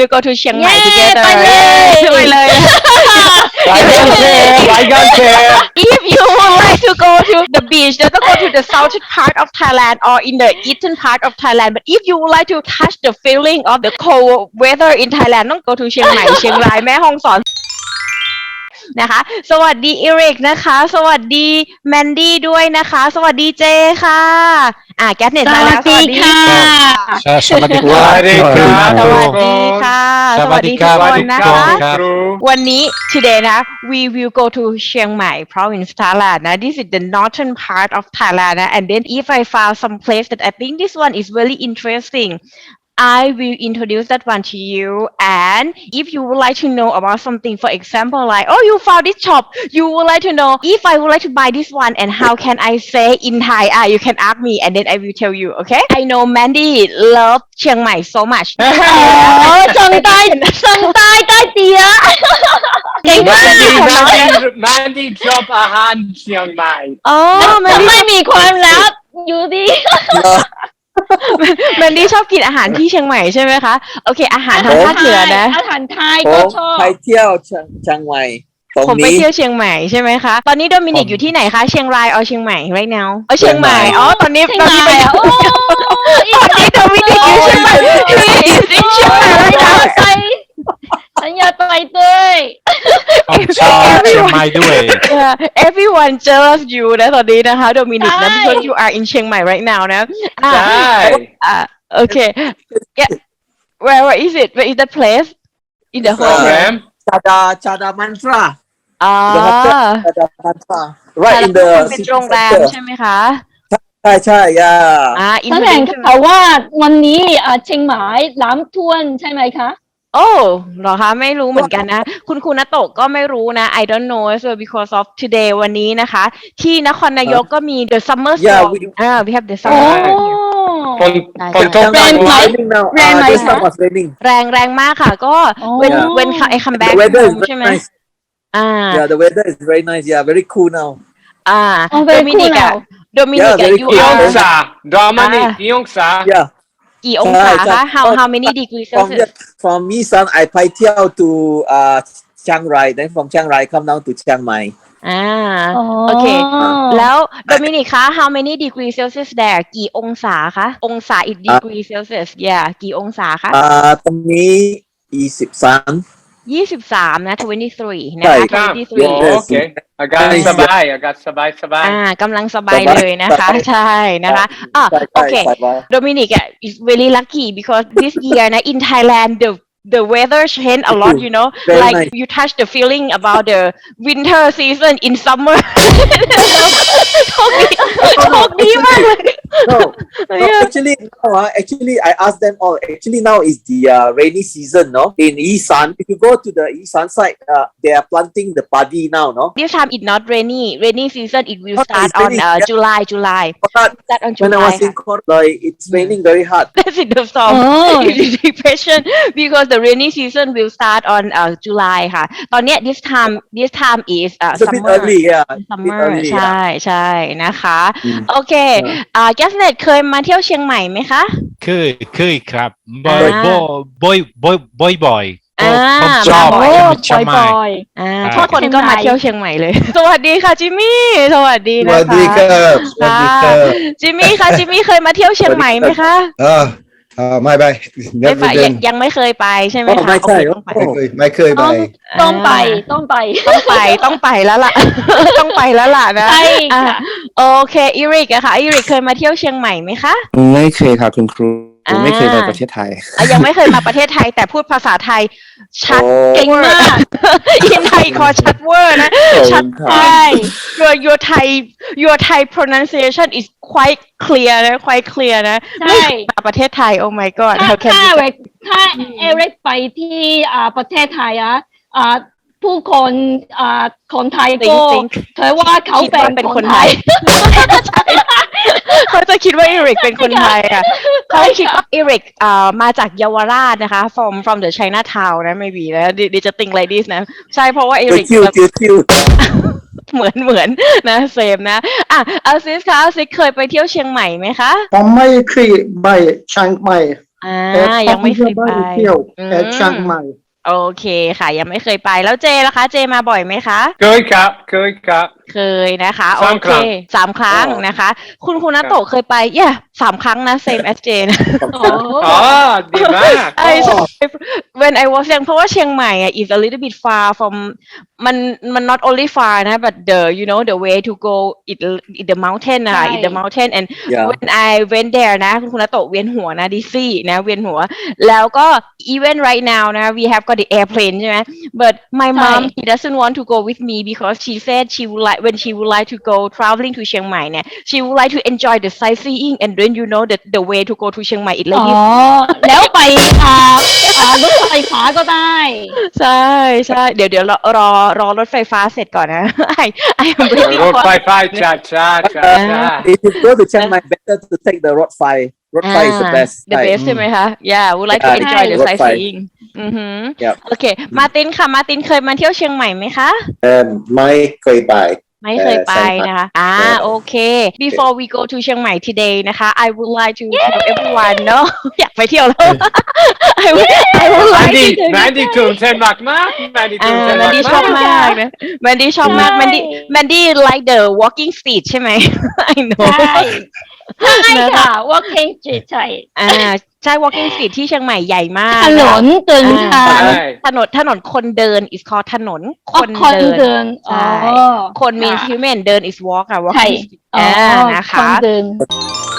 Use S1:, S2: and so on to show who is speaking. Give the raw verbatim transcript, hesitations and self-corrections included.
S1: will go to เชียงใหม่
S2: เย้
S1: together
S2: ไปเลย
S1: ไปเลย
S3: รายการแชร์รายการแชร์
S1: If you would like to go to the beach, just go to the southern part of Thailand or in the eastern part of Thailand. But if you would like to touch the feeling of the cold weather in Thailand, ต้อง go to เชียงใหม่ เชียงรายแม่ฮ่องสอนนะคะ สวัสดีอีริกนะคะ สวัสดีแมนดี้ด้วยนะคะ สวัสดีเจค่ะอ่ะแก๊สเน็ตมาแล้ว
S2: สวัสดีค่ะ
S3: สวัสดีครับ
S1: สวัสดีค่ะสวัสดีทุกคนนะคะ วันนี้ today นะ we will go to เชียงใหม่ province Thailand นะ this is the northern part of Thailand นะ and then if I found some place that I think this one is very interesting I will introduce that one to you and if you would like to know about something for example like oh you found this shop you would like to know if I would like to buy this one and how can I say in Thai ah you can ask me and then I will tell you okay I know Mandy love เชียงใหม่ so much
S2: อ๋อจังใต้จังใต้ใต้เตียเก่ง
S3: แม
S2: มาน
S3: ดี้
S2: ก
S3: แมนดี้แมนดี้ชอบอาหารเชียงใหม่
S1: อ๋อ
S2: จะ
S1: Mandy
S2: ไม่มีความลับอยู่ดี
S1: แมนดี้ชอบกินอาหารที่เชียงใหม่ใช่ไหมคะโอเคอาหารทางภาคเหนือนะ
S2: อาหารไทย
S4: ผ
S2: ก็
S4: ม
S2: ชอบ
S4: ไปเที่ยวเชียงเชียงใหม่ตรง
S1: ผมไป
S4: นี้
S1: เที่ยวเชียงใหม่ใช่ไหมคะตอนนี้โดมินิกอยู่ที่ไหนคะเชียงรายเอาเชียงใหม่ right now เออเชียงใหม่อ๋อตอนนี้
S2: เชียง
S1: ตอน
S2: ให
S1: นี้
S2: ม่
S1: ไป
S2: อ่ะโอ้
S1: ตอนนี้โดมินิกอยู่เชียงใหม่ He is in เชียงใหม่ right
S2: ฉัน
S1: now
S2: อยากไปฉันอยากไปด้วย
S5: ผมชอบเชียงใหม่ด้วย
S1: Yeah, everyone jealous you นะตอนนี้นะคะโดมินิกนะ
S2: ใช่
S1: because you are in เชียงใหม่ right now นะอ่า
S3: ใช่
S1: อ่าโอเค yeah where where is it where is that place in the
S3: โรง
S1: whole
S3: แรม
S4: ชาดาชาดามันตรา
S1: อ่า
S4: ชาดามันตรา right in the
S1: เป็น
S4: city
S1: โรงแรม
S4: center
S1: ใช่ไหมคะ
S4: ใช่ใช่ย่า
S1: อ่าอิน
S2: แส
S1: โทร
S2: ดง
S1: ดิว
S2: เขาว่าวันนี้อ่าเชียงใหม่น้ำท่วมใช่ไหมคะ
S1: โอ้เหรอคะไม่รู้เหมือนกันนะ คุณคุณนัตโตะก็ไม่รู้นะ I don't know so because of today วันนี้นะคะ ที่นครนายกก็มี the summer
S4: Yeah,
S1: storm
S4: we-
S1: อ่า we have the
S2: โอ้
S1: summer
S3: ฝนฝนตก
S2: แรงไหม
S4: raining now
S2: แรงไหม
S4: uh, this
S2: คะ
S4: time was raining
S1: แรงแรงมากค่ะ ก็
S2: อ๋อ
S1: when
S4: Yeah.
S1: when I come back
S4: the weather is
S1: home
S4: very
S1: ใช่ไหม
S4: nice
S1: อ่า
S4: yeah the weather is very nice yeah very cool now
S1: อ่า
S2: Oh,
S1: โด
S2: very
S1: มิ
S2: cool
S1: นิกอะ
S2: now
S1: โดมินิก
S4: Yeah,
S1: อะ
S4: very
S1: you
S3: กี่อง
S1: are
S3: ศาดอมินิกกี่องศา
S4: yeah
S1: กี่องศา
S4: ใช่ใช่
S1: คะ how how many degrees
S4: from
S1: Celsius
S4: from Isan I ไปเที่ยว to uh Chiang Rai then from Chiang Rai come down to Chiang Mai
S1: อ่า
S2: อ๋อ
S1: โอเค แล้วโดมินิกคะ how many degree Celsius there กี่องศาคะ องศา in degree Celsius yeah กี่องศาคะ
S4: อ่าตรงนี้ยี่สิบสาม
S1: ยี่สิบสามนะ twenty-three นะ
S4: ใช่
S1: คะ
S3: สาม
S1: twenty-three
S3: โอเคอากาศสบายอากาศสบายสบาย
S1: อ่ากำลังสบายเลยนะคะ ใช่นะคะอ่ะ
S4: ใช่
S1: โอ
S4: ใช่
S1: เค
S4: ใช่ว่า
S1: Dominic uh, is really lucky because this year na, in Thailand the the weather changed a lot you know
S4: Very
S1: like
S4: nice.
S1: you touch the feeling about the winter season in summer โชคดีโชคดีมากเลย
S4: no, no
S1: Yeah.
S4: actually no uh, actually I asked them all actually now is the uh, rainy season no in Isan if you go to the Isan side uh, they are planting the paddy now no
S1: this time it's not rainy rainy season it will
S4: Oh,
S1: start
S4: it's
S1: on
S4: raining,
S1: uh,
S4: yeah.
S1: July July
S4: but
S1: start on
S4: when I
S1: July
S4: was in Koroi it's raining very hard
S1: That's in the storm
S2: อ๋อ
S1: depression because the rainy season will start on uh, July ค่ะ ตอนเนี้ย this time this time is uh,
S4: it's a bit
S1: summer
S4: early yeah a bit
S1: summer
S4: early
S1: ใช่
S4: yeah
S1: ใช่นะคะ
S4: อืม
S1: โอเคอ่าแกสเน็ตเคยมาเที่ยวเชียงใหม่ไหมคะ
S5: เคยเคยครับบ่อย
S1: อ่า
S5: บ่อยบ่อยบ่อยบ่อยๆ
S1: อ่า
S5: ผมชอบ
S1: มาบ่
S2: โอ้
S1: อย
S5: เชียงใหม่
S2: บ่อย
S1: อ่า
S5: ครับ
S1: ทุกคนก็มาเที่ยวเชียงใหม่เลย สวัสดีค่ะจิมมี่สวัสดี
S6: ส
S1: นะคะ
S6: วัสดีครับสวัสดีครับ
S1: จิมมี่ค่ะจิมมี่เคยมาเที่ยวเชียงใหม่ไหมคะ
S6: อ่าอ่าไม่ไป
S1: ไม่
S6: never
S1: ไปยัง
S6: been
S1: ยังไม่เคยไปใช่ไหม
S4: อ๋อ
S1: คะ
S4: ไม่ใช่
S1: โอเคต้องไป
S6: ไม่เคยไม่เคย
S2: ๆ
S6: ไป
S2: ต้องต้องไปต้องไป
S1: ต้องไปต้องไปแล้วล่ะ ต้องไปแล้วล่ะนะ
S2: ใช่
S1: อ่ะ
S2: ค่ะ
S1: โอเคอีริกอะค่ะอีริกเคยมาเที่ยวเชียงใหม่ไหมคะ
S7: ไม่เคยครับคุณครู
S1: อ่า
S7: ไม่เคยไปประเทศไทย
S1: อ่ะยังไม่เคยมาประเทศไทยแต่พูดภาษาไทยชัด
S4: โอ้
S1: เก่งมาก อินไทยคอชัดเวอร์นะ ชัด
S2: ใช่
S1: your your Thai your Thai pronunciation is quite clear นะ quite clear นะ
S2: ใช่
S1: ไม่เคยมาประเทศไทย oh my god
S2: ถ้า
S1: how can
S2: ถ้า
S1: you
S2: เอกถ้าเอริกไปที่อ่าประเทศไทยอ่ะอ่าผู้คนอ่าคนไทยก็
S1: think
S2: เธอว่าเขา
S1: คิด
S2: เป็
S1: ว่าน เป็น
S2: ค
S1: คน
S2: น
S1: ไท
S2: ไท
S1: ย
S2: ย
S1: เขาจะคิดว่าอีริกเป็นคนไทยอ่ะเขาคิดว่าอีริกอ่ามาจากเยาวราชนะคะ from from the Chinatown นะ maybe นะดิดิจะ think like this นะ ใช่เพราะว่าอีริก
S4: คิวคิวคิว
S1: เหมือนเหมือนนะเซมนะอ่ะอาซิสคะอาซิสเคยไปเที่ยวเชียงใหม่ไหมคะ
S8: ผมไม่เคยไปเชียงใหม่
S1: อ่ายังไม่เคยไป
S8: เที่ยว
S1: อืม
S8: แต่เชียงใหม่
S1: โอเคค่ะ ยังไม่เคยไปแล้วเจล่ะคะ เจมาบ่อยไหมคะ
S3: เคยครับเคยครับ
S1: เคยนะคะโอ
S3: สาม
S1: เค
S3: ครั้ง
S1: สามครั้ง
S3: อ๋อ
S1: นะคะ คุณคุณนัตโตะเคยไปเย่สามครั้งนะ same as เจนะ
S2: โอ้
S3: อ๋อดีมาก
S1: I when I was young เพราะว่าเชียงใหม่อ่ะ is a little bit far from มันมัน not only far นะ but the you know the way to go it it the mountain นะคะ it the mountain and
S4: Yeah.
S1: when I went there นะคุณคุณนัตโตะเวียนหัวนะดิซี่นะเวียนหัว แล้วก็ even right now นะ we have got the airplane ใช่ไหม but my mom she doesn't want to go with me because she said she would like when she would like to go traveling to เชียงใหม่เนี่ย she would like to enjoy the sightseeing and then you know the the way to go to เชียงใหม่ it
S2: อ๋
S1: like
S2: อ
S1: this
S2: แล้วไปอ่าอ่ารถไฟฟ้าก็ได้
S1: ใช่ใช่เดี๋ยวเดี๋ยวรอรอรอรถไฟฟ้าเสร็จก่อนนะ I I am waiting
S3: รถ
S1: for
S3: ไฟฟ้าช้าช้าช้าช้า
S4: If you go to Chiang Mai, better to take the road fly. Road fly is the best.
S1: the
S4: Right.
S1: best ใช่ไหมคะ yeah would like to
S4: Yeah,
S1: enjoy the
S4: รถไฟ
S1: sightseeing อือหือ
S4: Yep.
S1: โอเคมาตินค่ะมาตินเคยมาเที่ยวเชียงใหม่ไหมคะ
S6: เอ่อไม่เคยไป
S1: ไม่เคยไปนะคะ อ่า โอเค before we go to เชียงใหม่ today นะคะ I would like to tell everyone เนอะ อยากไปเที่ยวแล้ว I would I would
S3: แมน
S1: like
S3: ดี้
S1: to
S3: แมนดี้ตื่นเต้นมากมากแมนดี้
S1: อ่า
S3: ตื่นเต้น
S1: แมน
S3: มาก
S1: ดี้ชอบ
S3: มาก
S1: มากนะแมนดี้ชอบมาก
S2: ใช่
S1: แมนดี้แมนดี้ like the walking street ใช่ไหม I know
S2: ใช่ใช่ค่ะ walking street ใช่
S1: อ่า ใช่ walking street ที่เชียงใหม่ใหญ่มาก
S2: ถนนเดินทาง
S3: ใช่
S1: ถนนถนนคนเดิน is called ถนนค
S2: อ๋อน คน
S1: เดิน
S2: เดิน
S1: ใช่
S2: อ๋อ
S1: คน means human เดิน is walk อะ
S2: ใช่
S1: walking street
S2: อ๋อ
S1: อ่านะ
S2: ค
S1: คะ
S2: นเดิน